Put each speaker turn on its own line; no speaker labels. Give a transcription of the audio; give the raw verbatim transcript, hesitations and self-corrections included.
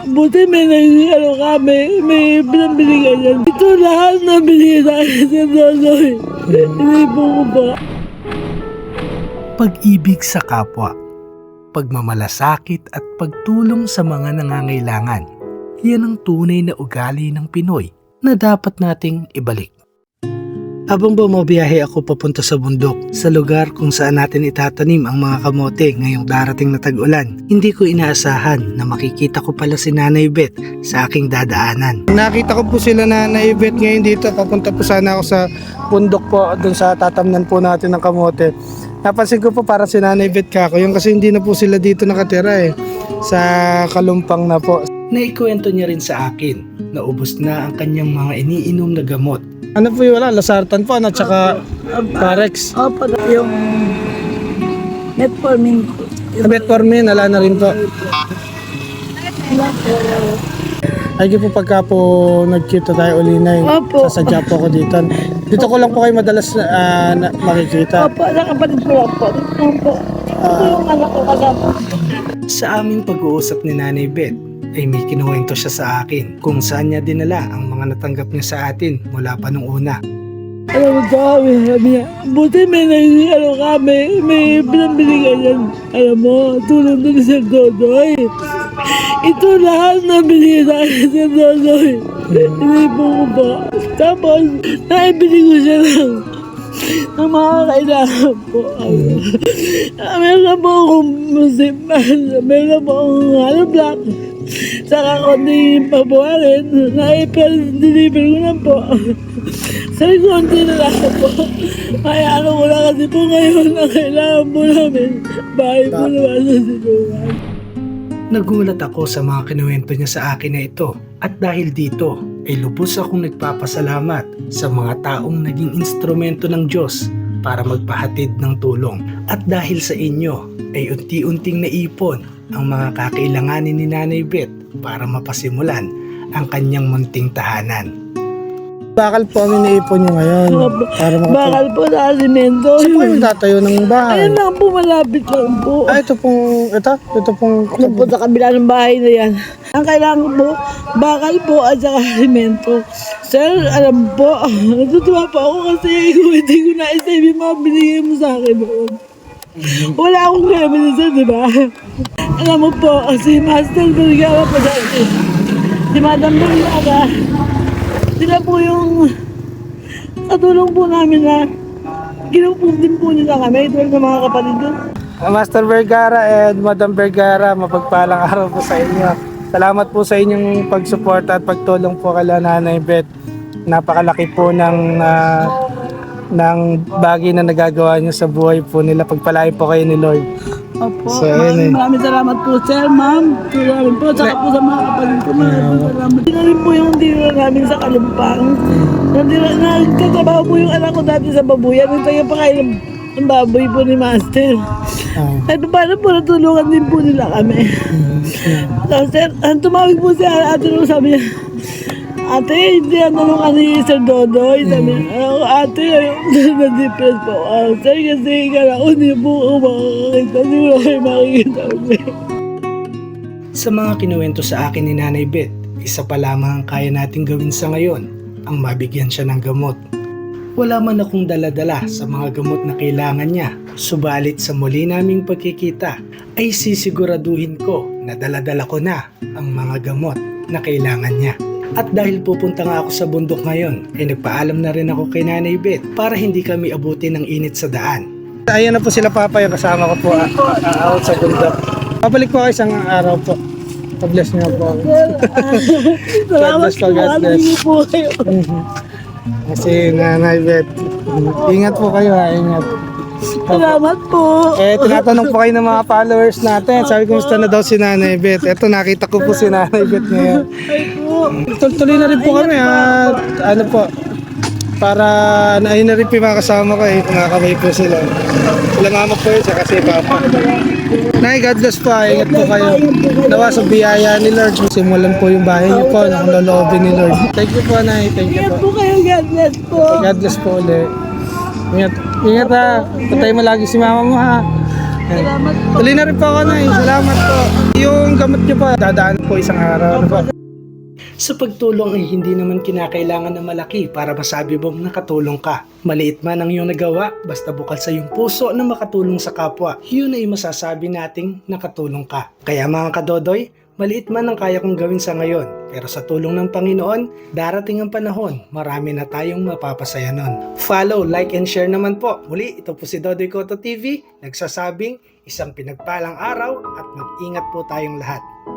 Buti may naging ano kami, may pinabili ka yan. Ito lahat na binigay sa akin sa Dodoy. Hindi po ko ba?
Pag-ibig sa kapwa, pagmamalasakit at pagtulong sa mga nangangailangan. Yan ang tunay na ugali ng Pinoy na dapat nating ibalik. Habang bumabiyahe ako papunta sa bundok, sa lugar kung saan natin itatanim ang mga kamote ngayong darating na tag-ulan, hindi ko inaasahan na makikita ko pala si Nanay Beth sa aking dadaanan. Nakita ko po sila Nanay Beth ngayon dito, papunta po sana ako sa bundok po, dun sa tatamnan po natin ng kamote. Napansin ko po para si Nanay Beth kako, yung kasi hindi na po sila dito nakatira eh, sa Kalumpang na po. Naikwento niya rin sa akin na ubos na ang kanyang mga iniinom na gamot. Ano po yung wala? Lasartan po, ano? Tsaka Parex.
Opo, yung metformin po.
Metformin, ala na rin po. Ay, po pagka po nagkita tayo ulinay,
Opo.
sasadya po ako dito. Dito ko lang po kayo madalas uh, na, makikita.
Opo, nakapatid ko lang po. Ito po. Ito yung anak ko kasama.
Sa aming pag-uusap ni Nanay Beth, ay may kinuwento siya sa akin kung saan niya dinala ang mga natanggap niya sa atin mula pa nung una.
Alam mo kami, sabi niya, buti may naging ano kami, may pinabili ka yan. Alam mo, tulong doon sa Dodoy. Ito lahat na binigay sa akin sa Dodoy. Hindi po ko ba? Tapos, naibili ko siya lang ng mga kailangan po. Meron po akong musip, meron po akong ano black. Saka konti pabuharin, na-deliver ko na po. Sabi konti na lang po. Kaya ano ko na kasi po ngayon na kailangan po namin. Bahay po naman sa silungan.
Nagulat ako sa mga kinuwento niya sa akin na ito. At dahil dito, ay lubos akong nagpapasalamat sa mga taong naging instrumento ng Diyos para magpahatid ng tulong. At dahil sa inyo, ay unti-unting naipon ang mga kakailanganin ni Nanay Beth para mapasimulan ang kanyang munting tahanan. Bakal po kami naipon nyo ngayon. Para makapag...
Bakal po sa alimento.
Saan po kayo tatayo ng bahay?
Ayun lang po, malapit lang po.
Ah, ito pong, ito, ito pong...
Ano po sa kabila ng bahay na yan. Ang kailangan po, bakal po at saka alimento. Sir, alam po, natutuwa po ako kasi hindi ko na-isave yung mga binigay mo sa akin noon. Wala akong gamit sir, di ba? Alam mo po, si Master Vergara po dati. Si Madam Vergara. Sila po yung katulong po namin na ginupong din po nila kami. Ito ng mga kapatid doon.
Master Vergara and Madam Vergara, mapagpalang araw po sa inyo. Salamat po sa inyong pagsuporta at pagtulong po kay Nanay Beth. Napakalaki po ng uh, ng bagay na nagagawa niyo sa buhay po nila. Pagpalain po kayo ni Lord.
Opo,
So,
maraming,
eh.
maraming salamat po sir, ma'am. Salamat po, saka po sa mga kapatid ko. Maraming salamat. Hindi na rin po yung dira namin sa Kalumpang. Nandira, nagtatrabaho po yung anak ko dati sa babuyan. Nung tayo pa kayo ng baboy po ni Master.
Oh.
At paano po natulungan din po nila kami. So, sir, ang tumawag po si ate nung sabi niya, ate, hindi ang tanong ni Sir Dodoy. Sabi niya, ako, ate, na-depress po. Uh, sir, kasi kala ko hindi po ako makakakita. Hindi mo kayo makikita ulit.
Sa mga kinuwento sa akin ni Nanay Beth, isa pa lamang ang kaya nating gawin sa ngayon, ang mabigyan siya ng gamot. Wala man akong dala-dala sa mga gamot na kailangan niya, subalit sa muli naming pagkikita ay sisiguraduhin ko na dala-dala ko na ang mga gamot na kailangan niya. At dahil pupunta nga ako sa bundok ngayon, ay nagpaalam na rin ako kay Nanay Beth para hindi kami abutin ng init sa daan. Ayan na po sila Papa, yung kasama ko po uh, uh, out sa bundok. Pabalik po kayo isang araw po. God-bless niyo po. God bless po, God bless.
po kayo.
Kasi Nanay Beth, ingat po kayo ha, ingat.
Salamat po.
Eh, tinatanong po kayo ng mga followers natin. Sabi ko, kumusta na daw si Nanay Beth? Eto, nakita ko po si Nanay Beth ngayon.
Ay po.
Tuloy na rin po kami at ano po, para ayun na rin po yung mga kasama ko eh, kumakabay po sila. Sila mama po yun, kasi papa. Nay, God bless po, ah. Ingat po kayo. Nawa sa biyaya ni Lord. Simulan po yung bahay niyo po, ng loloobin ni Lord. Thank you po, Nay. Thank you
Ingat
po.
po kayo. God bless po.
God bless po ulit. Ingat, ingat ha. Patay mo lagi si mama mo ha.
Salamat po.
Tuloy na rin po ako na eh. Salamat po. Yung gamot niyo po, dadaan po isang araw. Ano po?
Sa pagtulong ay hindi naman kinakailangan na malaki para masabi mong nakatulong ka. Maliit man ang iyong nagawa, basta bukal sa iyong puso na makatulong sa kapwa, yun ay masasabi nating nakatulong ka. Kaya mga kadodoy, maliit man ang kaya kong gawin sa ngayon, pero sa tulong ng Panginoon, darating ang panahon, marami na tayong mapapasaya nun. Follow, like, and share naman po. Muli, ito po si Dodoy Cotto T V, nagsasabing isang pinagpalang araw at mag-ingat po tayong lahat.